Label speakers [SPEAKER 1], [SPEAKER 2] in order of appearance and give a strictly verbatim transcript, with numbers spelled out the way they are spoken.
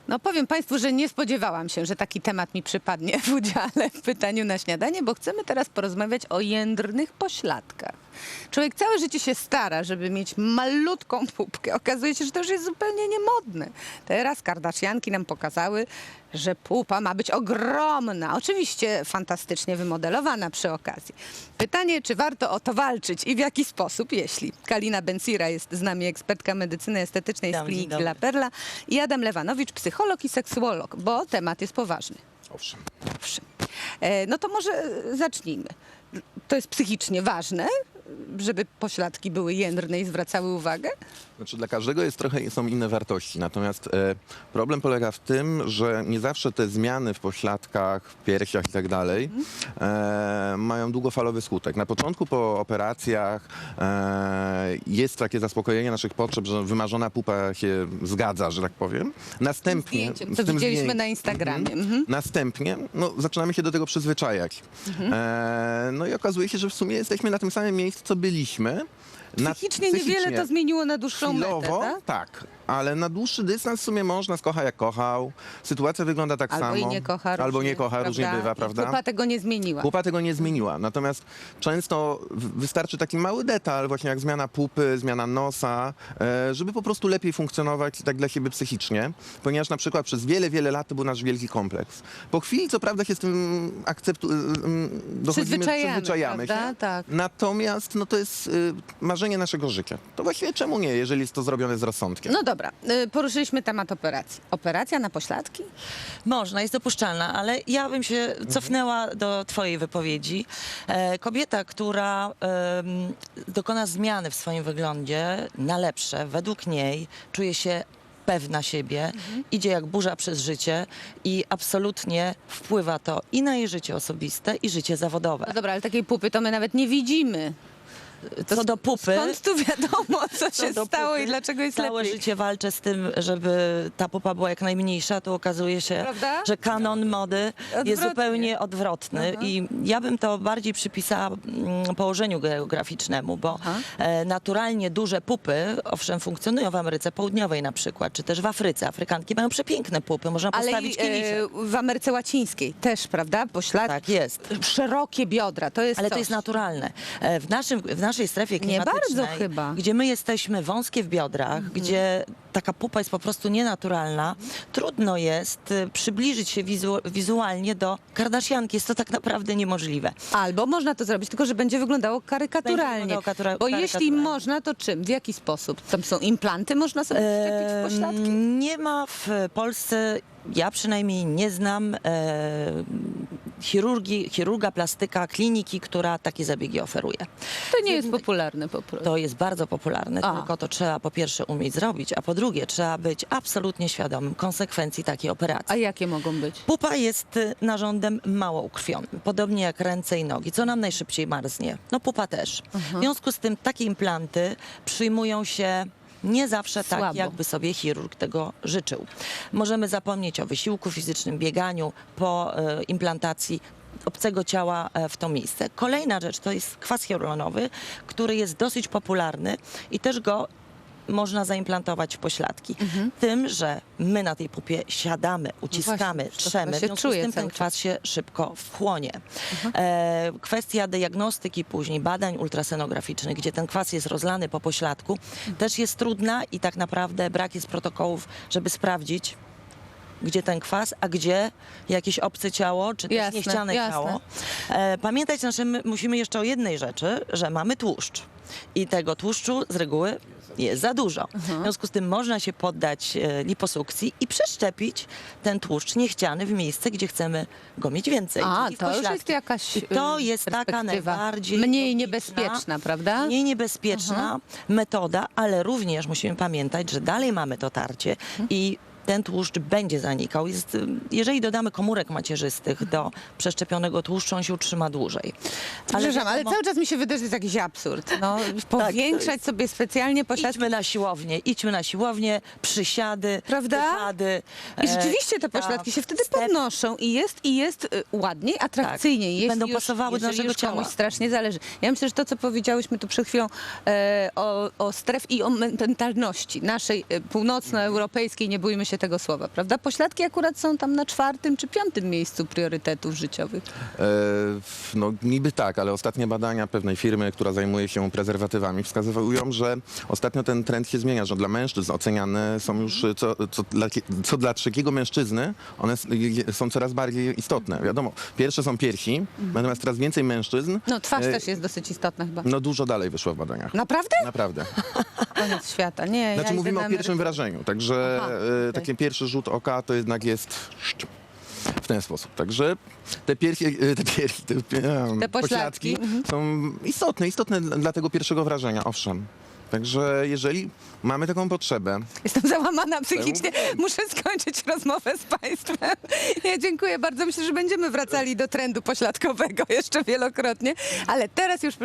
[SPEAKER 1] No powiem Państwu, że nie spodziewałam się, że taki temat mi przypadnie w udziale w pytaniu na śniadanie, bo chcemy teraz porozmawiać o jędrnych pośladkach. Człowiek całe życie się stara, żeby mieć malutką pupkę. Okazuje się, że to już jest zupełnie niemodne. Teraz Kardashianki nam pokazały, że pupa ma być ogromna. Oczywiście fantastycznie wymodelowana przy okazji. Pytanie, czy warto o to walczyć i w jaki sposób, jeśli. Kalina Bencira jest z nami, ekspertka medycyny estetycznej z
[SPEAKER 2] Dzień
[SPEAKER 1] kliniki
[SPEAKER 2] dobry.
[SPEAKER 1] La Perla, i Adam Lewanowicz, psycholog i seksuolog, bo temat jest poważny.
[SPEAKER 3] Owszem.
[SPEAKER 1] Owszem. E, no to może e, zacznijmy. To jest psychicznie ważne, żeby pośladki były jędrne i zwracały uwagę?
[SPEAKER 3] Znaczy dla każdego jest trochę, są inne wartości, natomiast e, problem polega w tym, że nie zawsze te zmiany w pośladkach, w piersiach i tak dalej e, mają długofalowy skutek. Na początku po operacjach e, jest takie zaspokojenie naszych potrzeb, że wymarzona pupa się zgadza, że tak powiem. Następnie...
[SPEAKER 1] Zdjęciem,
[SPEAKER 3] z
[SPEAKER 1] co
[SPEAKER 3] tym
[SPEAKER 1] widzieliśmy
[SPEAKER 3] zdję-
[SPEAKER 1] na Instagramie.
[SPEAKER 3] Mhm.
[SPEAKER 1] Mhm.
[SPEAKER 3] Następnie no, zaczynamy się do tego przyzwyczajać. E, no i okazuje się, że w sumie jesteśmy na tym samym miejscu, co byliśmy. Na-
[SPEAKER 1] Psychicznie niewiele to zmieniło na dłuższą metę,
[SPEAKER 3] Chwilowo,
[SPEAKER 1] tak?
[SPEAKER 3] tak, ale na dłuższy dystans w sumie można, skocha jak kochał. Sytuacja wygląda tak
[SPEAKER 1] Albo
[SPEAKER 3] samo.
[SPEAKER 1] i nie kocha różnie,
[SPEAKER 3] Albo nie kocha, różnie
[SPEAKER 1] prawda?
[SPEAKER 3] bywa,
[SPEAKER 1] I
[SPEAKER 3] prawda?
[SPEAKER 1] pupa tego nie zmieniła.
[SPEAKER 3] Pupa tego nie zmieniła, natomiast często w- wystarczy taki mały detal, właśnie jak zmiana pupy, zmiana nosa, e, żeby po prostu lepiej funkcjonować tak dla siebie psychicznie, ponieważ na przykład przez wiele, wiele lat to był nasz wielki kompleks. Po chwili co prawda się z tym akceptu... em, dochodzimy,
[SPEAKER 1] Przyzwyczajamy,
[SPEAKER 3] przyzwyczajamy
[SPEAKER 1] prawda?
[SPEAKER 3] się.
[SPEAKER 1] Tak.
[SPEAKER 3] Natomiast no to jest y, marzenie naszego życia. To właściwie czemu nie, jeżeli jest to zrobione z rozsądkiem?
[SPEAKER 1] No dobra, y, poruszyliśmy temat operacji. Operacja na pośladki?
[SPEAKER 2] Można, jest dopuszczalna, ale ja bym się cofnęła do twojej wypowiedzi. E, kobieta, która em, dokona zmiany w swoim wyglądzie na lepsze, według niej czuje się pewna siebie, idzie jak burza przez życie i absolutnie wpływa to i na jej życie osobiste, i życie zawodowe.
[SPEAKER 1] No dobra, ale takiej pupy to my nawet nie widzimy. To
[SPEAKER 2] Co do pupy,
[SPEAKER 1] Skąd tu wiadomo, co
[SPEAKER 2] Co
[SPEAKER 1] się
[SPEAKER 2] do
[SPEAKER 1] stało
[SPEAKER 2] pupy,
[SPEAKER 1] i dlaczego jest
[SPEAKER 2] całe
[SPEAKER 1] lepiej?
[SPEAKER 2] życie walczę z tym, żeby ta pupa była jak najmniejsza, to okazuje się,
[SPEAKER 1] Prawda?
[SPEAKER 2] że kanon mody
[SPEAKER 1] Odwrotnie.
[SPEAKER 2] jest zupełnie odwrotny.
[SPEAKER 1] Aha.
[SPEAKER 2] I ja bym to bardziej przypisała mm, położeniu geograficznemu, bo
[SPEAKER 1] Aha.
[SPEAKER 2] e, naturalnie duże pupy, owszem, funkcjonują w Ameryce Południowej na przykład, czy też w Afryce. Afrykanki mają przepiękne pupy, można
[SPEAKER 1] Ale
[SPEAKER 2] postawić
[SPEAKER 1] i,
[SPEAKER 2] kieliszek.
[SPEAKER 1] e, w Ameryce Łacińskiej też, prawda? Pośladki,
[SPEAKER 2] Tak jest.
[SPEAKER 1] szerokie biodra, to jest
[SPEAKER 2] Ale
[SPEAKER 1] coś.
[SPEAKER 2] to jest naturalne. E, W, naszym, w naszej strefie
[SPEAKER 1] Nie
[SPEAKER 2] klimatycznej,
[SPEAKER 1] bardzo chyba.
[SPEAKER 2] gdzie my jesteśmy wąskie w biodrach,
[SPEAKER 1] Mhm.
[SPEAKER 2] gdzie taka pupa jest po prostu nienaturalna, trudno jest y, przybliżyć się wizu wizualnie do Kardashianki. Jest to tak naprawdę niemożliwe.
[SPEAKER 1] Albo można to zrobić, tylko że będzie wyglądało karykaturalnie.
[SPEAKER 2] Będzie wyglądało katura-
[SPEAKER 1] Bo jeśli
[SPEAKER 2] karykaturalnie.
[SPEAKER 1] można, to czym? W jaki sposób? Tam są implanty, można sobie wszczepić w pośladki?
[SPEAKER 2] Em, Nie ma w Polsce, ja przynajmniej nie znam e, chirurgii, chirurga plastyka, kliniki, która takie zabiegi oferuje.
[SPEAKER 1] To nie jest popularne po prostu.
[SPEAKER 2] To jest bardzo popularne,
[SPEAKER 1] A.
[SPEAKER 2] tylko to trzeba po pierwsze umieć zrobić, a po drugie trzeba być absolutnie świadomym konsekwencji takiej operacji.
[SPEAKER 1] A jakie mogą być?
[SPEAKER 2] Pupa jest y, narządem mało ukrwionym, podobnie jak ręce i nogi. Co nam najszybciej marznie? No pupa też. W związku z tym takie implanty przyjmują się nie zawsze tak,
[SPEAKER 1] Słabo.
[SPEAKER 2] jakby sobie chirurg tego życzył. Możemy zapomnieć o wysiłku fizycznym, bieganiu po e, implantacji obcego ciała e, w to miejsce. Kolejna rzecz to jest kwas hialuronowy, który jest dosyć popularny i też go można zaimplantować w pośladki. Tym, że my na tej pupie siadamy, uciskamy,
[SPEAKER 1] właśnie, to
[SPEAKER 2] trzemy,
[SPEAKER 1] się
[SPEAKER 2] w związku
[SPEAKER 1] czuje
[SPEAKER 2] z tym
[SPEAKER 1] cały
[SPEAKER 2] ten kwas się szybko wchłonie. E, kwestia diagnostyki później, badań ultrasenograficznych, gdzie ten kwas jest rozlany po pośladku, też jest trudna i tak naprawdę brak jest protokołów, żeby sprawdzić, gdzie ten kwas, a gdzie jakieś obce ciało, czy też
[SPEAKER 1] Jasne,
[SPEAKER 2] niechciane
[SPEAKER 1] jasne.
[SPEAKER 2] ciało. E, pamiętać znaczy, my musimy jeszcze o jednej rzeczy, że mamy tłuszcz. I tego tłuszczu z reguły jest za dużo. W związku z tym można się poddać e, liposukcji i przeszczepić ten tłuszcz niechciany w miejsce, gdzie chcemy go mieć więcej.
[SPEAKER 1] A,
[SPEAKER 2] czyli w
[SPEAKER 1] to już
[SPEAKER 2] pośladki.
[SPEAKER 1] jest jakaś
[SPEAKER 2] I to
[SPEAKER 1] y,
[SPEAKER 2] jest taka
[SPEAKER 1] perspektywa
[SPEAKER 2] najbardziej
[SPEAKER 1] mniej
[SPEAKER 2] logiczna,
[SPEAKER 1] niebezpieczna, prawda?
[SPEAKER 2] Mniej niebezpieczna metoda, ale również musimy pamiętać, że dalej mamy to tarcie i ten tłuszcz będzie zanikał. Jest, jeżeli dodamy komórek macierzystych do przeszczepionego tłuszczu, on się utrzyma dłużej.
[SPEAKER 1] Przepraszam, ale
[SPEAKER 2] wiadomo,
[SPEAKER 1] cały czas mi się wydaje, że to jest jakiś absurd. No, powiększać sobie specjalnie pośladki.
[SPEAKER 2] idźmy na siłownię, idźmy na siłownię, przysiady,
[SPEAKER 1] Prawda?
[SPEAKER 2] wypady.
[SPEAKER 1] I rzeczywiście te
[SPEAKER 2] e,
[SPEAKER 1] pośladki
[SPEAKER 2] tak,
[SPEAKER 1] się wtedy
[SPEAKER 2] step.
[SPEAKER 1] podnoszą i jest, i jest y, ładniej, atrakcyjniej.
[SPEAKER 2] Tak. I
[SPEAKER 1] jeśli
[SPEAKER 2] będą
[SPEAKER 1] już,
[SPEAKER 2] pasowały do
[SPEAKER 1] jeżeli
[SPEAKER 2] naszego
[SPEAKER 1] już komuś
[SPEAKER 2] ciała.
[SPEAKER 1] strasznie zależy. Ja myślę, że to, co powiedziałyśmy tu przed chwilą e, o, o stref i o mentalności naszej e, północnoeuropejskiej, nie bójmy się tego słowa, prawda? Pośladki akurat są tam na czwartym czy piątym miejscu priorytetów życiowych.
[SPEAKER 3] E, No niby tak, ale ostatnie badania pewnej firmy, która zajmuje się prezerwatywami, wskazują, że ostatnio ten trend się zmienia, że dla mężczyzn oceniane są już co, co, dla, co dla trzeciego mężczyzny, one s- je- są coraz bardziej istotne. Wiadomo, pierwsze są piersi, natomiast coraz więcej mężczyzn,
[SPEAKER 1] No twarz
[SPEAKER 3] e,
[SPEAKER 1] też jest dosyć istotna chyba.
[SPEAKER 3] no dużo dalej wyszło w badaniach.
[SPEAKER 1] Naprawdę?
[SPEAKER 3] Naprawdę.
[SPEAKER 1] Koniec świata. Nie,
[SPEAKER 3] Znaczy
[SPEAKER 1] ja
[SPEAKER 3] mówimy
[SPEAKER 1] idę
[SPEAKER 3] o
[SPEAKER 1] na
[SPEAKER 3] pierwszym
[SPEAKER 1] emeryturę.
[SPEAKER 3] wrażeniu, także
[SPEAKER 1] Aha,
[SPEAKER 3] e,
[SPEAKER 1] okej.
[SPEAKER 3] taki pierwszy rzut oka to jednak jest w ten sposób. Także te piersi, e, te, piersi, te, e,
[SPEAKER 1] Te pośladki, mhm.
[SPEAKER 3] są istotne, istotne dla dla tego pierwszego wrażenia, owszem. Także jeżeli mamy taką potrzebę,
[SPEAKER 1] Jestem załamana psychicznie. Muszę skończyć rozmowę z Państwem. Ja dziękuję bardzo. Myślę, że będziemy wracali do trendu pośladkowego jeszcze wielokrotnie. Ale teraz już